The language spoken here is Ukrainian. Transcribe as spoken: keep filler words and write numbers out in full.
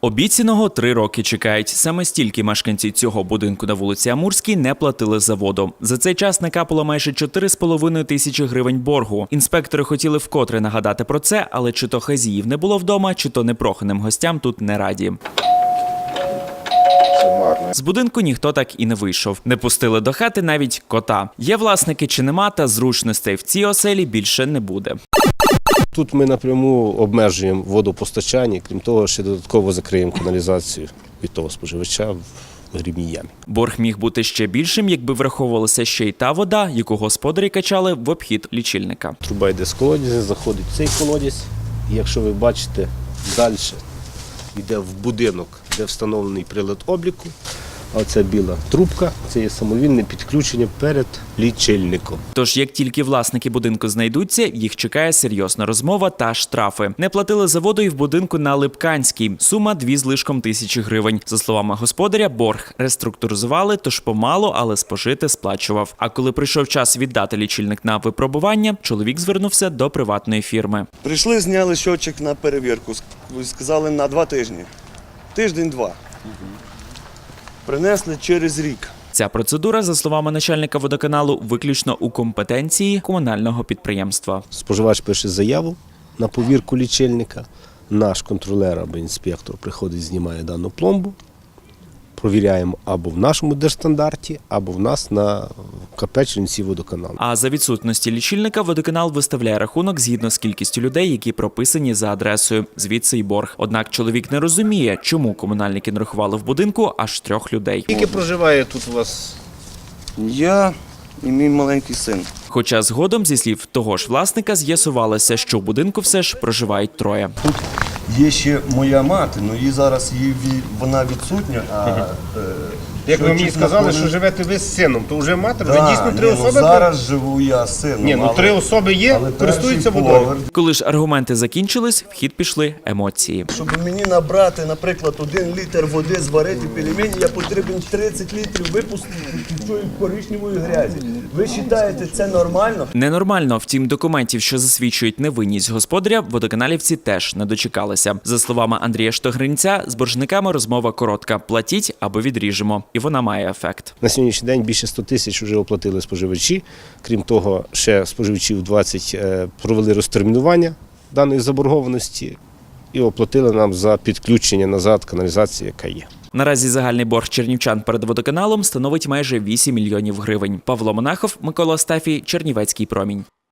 Обіцяного три роки чекають. Саме стільки мешканці цього будинку на вулиці Амурській не платили за воду. За цей час накапало майже чотири з половиною тисячі гривень боргу. Інспектори хотіли вкотре нагадати про це, але чи то хазіїв не було вдома, чи то непроханим гостям тут не раді. З будинку ніхто так і не вийшов. Не пустили до хати навіть кота. Є власники чи нема, та зручностей в цій оселі більше не буде. Тут ми напряму обмежуємо водопостачання, крім того, ще додатково закриємо каналізацію від того споживача в грібній ямі. Борг міг бути ще більшим, якби враховувалася ще й та вода, яку господарі качали в обхід лічильника. Труба йде з колодязя, заходить в цей колодязь, і якщо ви бачите, далі йде в будинок, де встановлений прилад обліку. А оця біла трубка – це є самовільне підключення перед лічильником. Тож, як тільки власники будинку знайдуться, їх чекає серйозна розмова та штрафи. Не платили за воду і в будинку на Липканській. Сума дві з лишком тисячі гривень. За словами господаря, борг реструктуризували, тож помалу, але спожити сплачував. А коли прийшов час віддати лічильник на випробування, чоловік звернувся до приватної фірми. Прийшли, зняли щотчик на перевірку. Сказали на два тижні. Тиждень-два. Принесли через рік. Ця процедура, за словами начальника водоканалу, виключно у компетенції комунального підприємства. Споживач пише заяву на повірку лічильника, наш контролер або інспектор приходить, знімає дану пломбу, провіряємо або в нашому держстандарті, або в нас на КП Чернівці водоканалу. А за відсутності лічильника водоканал виставляє рахунок згідно з кількістю людей, які прописані за адресою. Звідси й борг. Однак чоловік не розуміє, чому комунальники нарахували в будинку аж трьох людей. Скільки проживає тут у вас? Я і мій маленький син. Хоча згодом, зі слів того ж власника, з'ясувалося, що в будинку все ж проживають троє. Тут є ще моя мати, але її зараз її, вона відсутня. А, Як ви мені сказали, повинен... що живете ви з сином, то вже мати, да, вже дійсно три ні, особи? Ну, зараз живу я з сином. Ні, ну але... три особи є, але користуються водою. поверх. Коли ж аргументи закінчились, в хід пішли емоції. Щоб мені набрати, наприклад, один літр води, зварити пельмені, я потрібен тридцять літрів випустити цієї коричневої грязі. Ви вважаєте, це нормально? Ненормально, втім, документів, що засвідчують невинність господаря, водоканалівці теж не дочекалися. За словами Андрія Штогринця, з боржниками розмова коротка. Платіть або відріжемо. І вона має ефект. На сьогоднішній день більше ста тисяч вже оплатили споживачі. Крім того, ще споживачів двадцять провели розтермінування даної заборгованості і оплатили нам за підключення назад каналізації, яка є. Наразі загальний борг чернівчан перед водоканалом становить майже вісім мільйонів гривень. Павло Монахов, Микола Остафій, Чернівецький промінь.